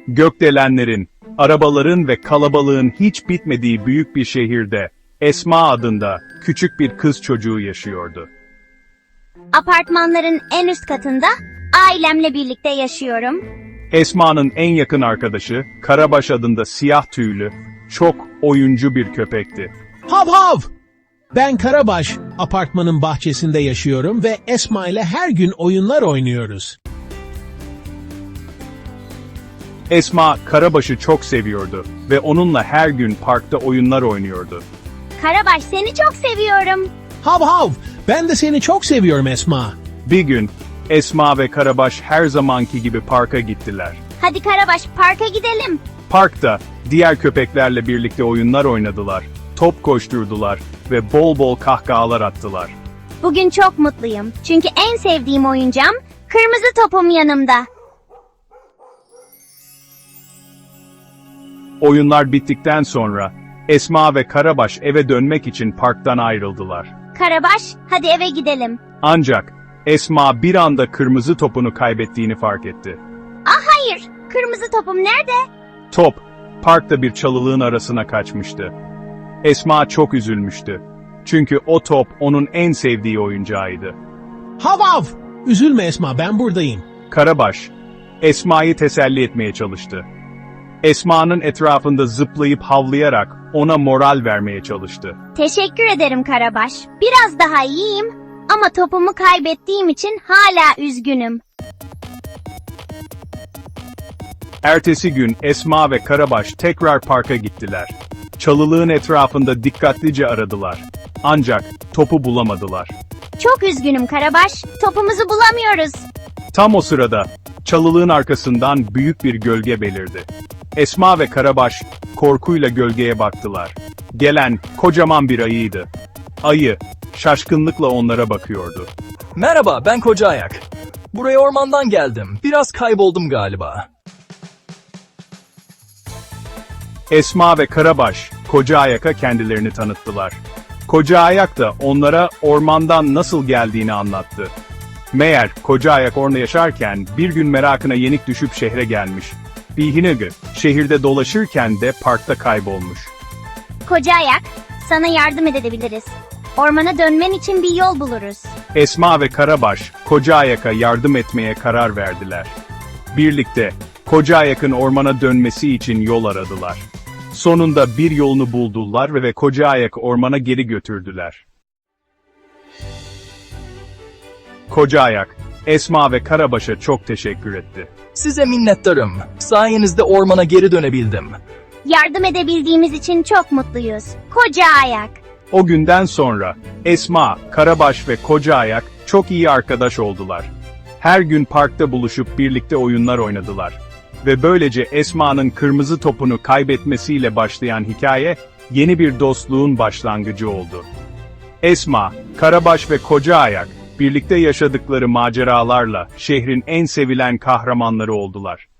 Gökdelenlerin, arabaların ve kalabalığın hiç bitmediği büyük bir şehirde, Esma adında küçük bir kız çocuğu yaşıyordu. Apartmanların en üst katında ailemle birlikte yaşıyorum. Esma'nın en yakın arkadaşı, Karabaş adında siyah tüylü, çok oyuncu bir köpekti. Hav hav! Ben Karabaş, apartmanın bahçesinde yaşıyorum ve Esma ile her gün oyunlar oynuyoruz. Esma, Karabaş'ı çok seviyordu ve onunla her gün parkta oyunlar oynuyordu. Karabaş, seni çok seviyorum. Hav hav! Ben de seni çok seviyorum Esma. Bir gün, Esma ve Karabaş her zamanki gibi parka gittiler. Hadi Karabaş, parka gidelim. Parkta, diğer köpeklerle birlikte oyunlar oynadılar, top koşturdular ve bol bol kahkahalar attılar. Bugün çok mutluyum. Çünkü en sevdiğim oyuncağım kırmızı topum yanımda. Oyunlar bittikten sonra, Esma ve Karabaş eve dönmek için parktan ayrıldılar. Karabaş, hadi eve gidelim. Ancak, Esma bir anda kırmızı topunu kaybettiğini fark etti. Hayır, kırmızı topum nerede? Top, parkta bir çalılığın arasına kaçmıştı. Esma çok üzülmüştü. Çünkü o top onun en sevdiği oyuncağıydı. Hav hav! Üzülme Esma, ben buradayım. Karabaş, Esma'yı teselli etmeye çalıştı. Esma'nın etrafında zıplayıp havlayarak ona moral vermeye çalıştı. Teşekkür ederim Karabaş. Biraz daha iyiyim ama topumu kaybettiğim için hala üzgünüm. Ertesi gün Esma ve Karabaş tekrar parka gittiler. Çalılığın etrafında dikkatlice aradılar. Ancak topu bulamadılar. Çok üzgünüm Karabaş. Topumuzu bulamıyoruz. Tam o sırada çalılığın arkasından büyük bir gölge belirdi. Esma ve Karabaş korkuyla gölgeye baktılar. Gelen kocaman bir ayıydı. Ayı şaşkınlıkla onlara bakıyordu. Merhaba, ben Koca Ayak. Buraya ormandan geldim. Biraz kayboldum galiba. Esma ve Karabaş Koca Ayak'a kendilerini tanıttılar. Koca Ayak da onlara ormandan nasıl geldiğini anlattı. Meğer Koca Ayak orada yaşarken bir gün merakına yenik düşüp şehre gelmiş. Bihinegü şehirde dolaşırken de parkta kaybolmuş. Koca Ayak, sana yardım edebiliriz. Ormana dönmen için bir yol buluruz. Esma ve Karabaş Koca Ayak'a yardım etmeye karar verdiler. Birlikte Koca Ayak'ın ormana dönmesi için yol aradılar. Sonunda bir yolunu buldular ve Koca Ayak ormana geri götürdüler. Koca Ayak, Esma ve Karabaş'a çok teşekkür etti. Size minnettarım. Sayenizde ormana geri dönebildim. Yardım edebildiğimiz için çok mutluyuz. Koca Ayak. O günden sonra Esma, Karabaş ve Koca Ayak çok iyi arkadaş oldular. Her gün parkta buluşup birlikte oyunlar oynadılar. Ve böylece Esma'nın kırmızı topunu kaybetmesiyle başlayan hikaye, yeni bir dostluğun başlangıcı oldu. Esma, Karabaş ve Koca Ayak, birlikte yaşadıkları maceralarla şehrin en sevilen kahramanları oldular.